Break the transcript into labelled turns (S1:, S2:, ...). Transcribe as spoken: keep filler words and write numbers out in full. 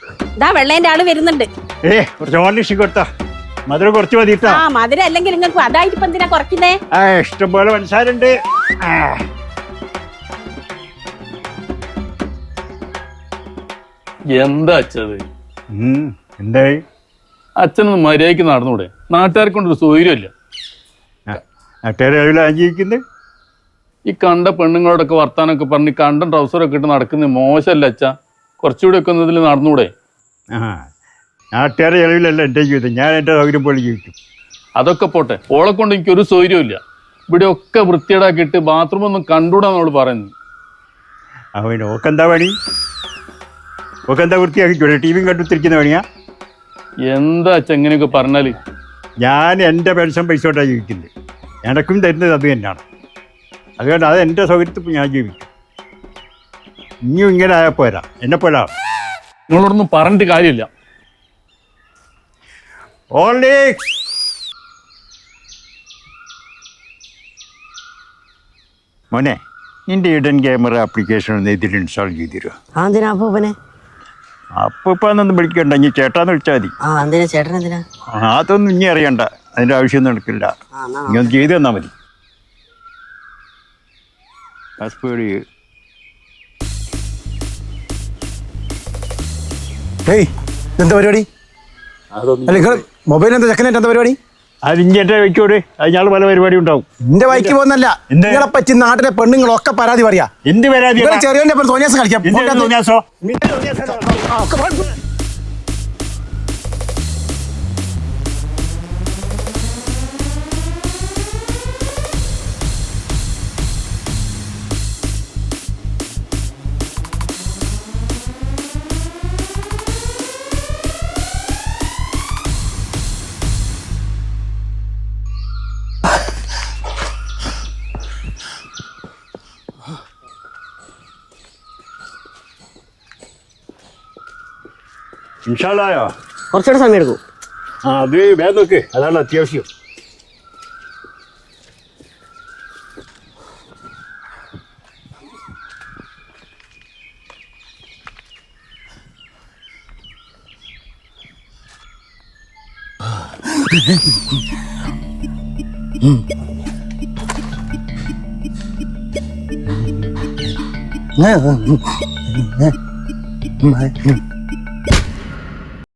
S1: ഇതാ വെള്ളേന്റെ ആള് വരുന്നുണ്ട്.
S2: ഏ കുറച്ച് ഓർലിഷ് കൊടുത്താ മധുരം കുറച്ച് മതിട്ടാ.
S1: ആ മധുരം അല്ലെങ്കിൽ നിങ്ങൾക്ക് അതായിട്ട് ഇപ്പൊ എന്തിനാ കുറയ്ക്കുന്നേ?
S2: ആ ഇഷ്ടം പോലെ മനസ്സാരുണ്ട്.
S3: എന്താ അച്ഛത്?
S2: എന്തായി?
S3: അച്ഛനൊന്ന് മര്യാദയ്ക്ക് നടന്നൂടെ? നാട്ടുകാരെ കൊണ്ടൊരു സൗകര്യമില്ല.
S2: നാട്ടുകാരെ ജീവിക്കുന്നത്
S3: ഈ കണ്ട പെണ്ണുങ്ങളോടൊക്കെ വർത്താനൊക്കെ പറഞ്ഞ് കണ്ട ട്രൗസറൊക്കെ ഇട്ട് നടക്കുന്നത് മോശമല്ല അച്ഛ. കുറച്ചുകൂടി ഒക്കെ ഇതിൽ നടന്നൂടെ?
S2: ആ നാട്ടുകാരെ ചെലവിലല്ല എൻ്റെ ജീവിതം. ഞാൻ എൻ്റെ സൗകര്യം പോലെ ജീവിക്കും.
S3: അതൊക്കെ പോട്ടെ, ഓളെ കൊണ്ട് എനിക്കൊരു സൗകര്യമില്ല. ഇവിടെ ഒക്കെ വൃത്തിയേടാക്കിയിട്ട് ബാത്റൂമൊന്നും കണ്ടുകൂടാന്നവള് പറയുന്നത്.
S2: അവൻ ഓക്കെന്താ പണി? ഓക്കെന്താ വൃത്തിയാക്കിക്കൂടെ? ടി വിയും കണ്ടുത്തിരിക്കുന്ന പണിയാ?
S3: എന്താ അച്ഛ എങ്ങനെയൊക്കെ പറഞ്ഞാല്?
S2: ഞാൻ എൻ്റെ പെൻഷൻ പൈസ കൊണ്ടാണ് ജീവിക്കുന്നത്. എനക്കും തരുന്നത് അത് തന്നെയാണ്. അതുകൊണ്ട് അത് എൻ്റെ സൗകര്യത്തിൽ ഞാൻ ജീവിക്കും. ഇനിയും ഇങ്ങനെ ആയാൽ പോരാ, എന്നെ പോരാ.
S3: നിങ്ങളോടൊന്നും പറഞ്ഞിട്ട് കാര്യമില്ല.
S2: ഓൺലി മോനെ, നിന്റെ ഇഡൻ ക്യാമറ ആപ്ലിക്കേഷൻ ഒന്ന് ഇതിൽ ഇൻസ്റ്റാൾ ചെയ്തിരുമോ?
S4: ആ എന്തിനാ അപ്പൂപ്പനെ?
S2: അപ്പോൾ ഇപ്പം അതൊന്നും വിളിക്കണ്ട, ഇനി ചേട്ടാന്ന് വിളിച്ചാൽ മതി.
S4: ആ എന്തിനാ ചേട്ടൻ എന്തിനാ?
S2: അതൊന്നും ഇനി അറിയണ്ട, അതിൻ്റെ ആവശ്യമൊന്നും നടക്കില്ല. ഇനി ഒന്ന് ചെയ്ത് തന്നാൽ മതി. പാസ്വേഡ്
S5: ഏയ് എന്താ പരിപാടി? അല്ല നിങ്ങൾ മൊബൈൽ എന്താ ചെക്കനായിട്ട് എന്താ പരിപാടി?
S2: അത് ഇനി എൻ്റെ വയ്ക്കോട്, അതിനാൾ പല പരിപാടി ഉണ്ടാവും.
S5: എന്റെ വൈക്ക് പോകുന്നല്ല, നിങ്ങളെ പറ്റി നാട്ടിലെ പെണ്ണുങ്ങളൊക്കെ പരാതി പറയാ.
S2: എന്ത് പരാതി?
S5: ചെറിയ തോന്നിയാസം കളിക്കാം.
S2: ഇൻഷാല്ലായോ?
S4: കുറച്ചുകൂടെ സമയം എടുക്കും.
S2: ആ അത് വേഗം നോക്ക്, അതാണ് അത്യാവശ്യം.
S5: ഉം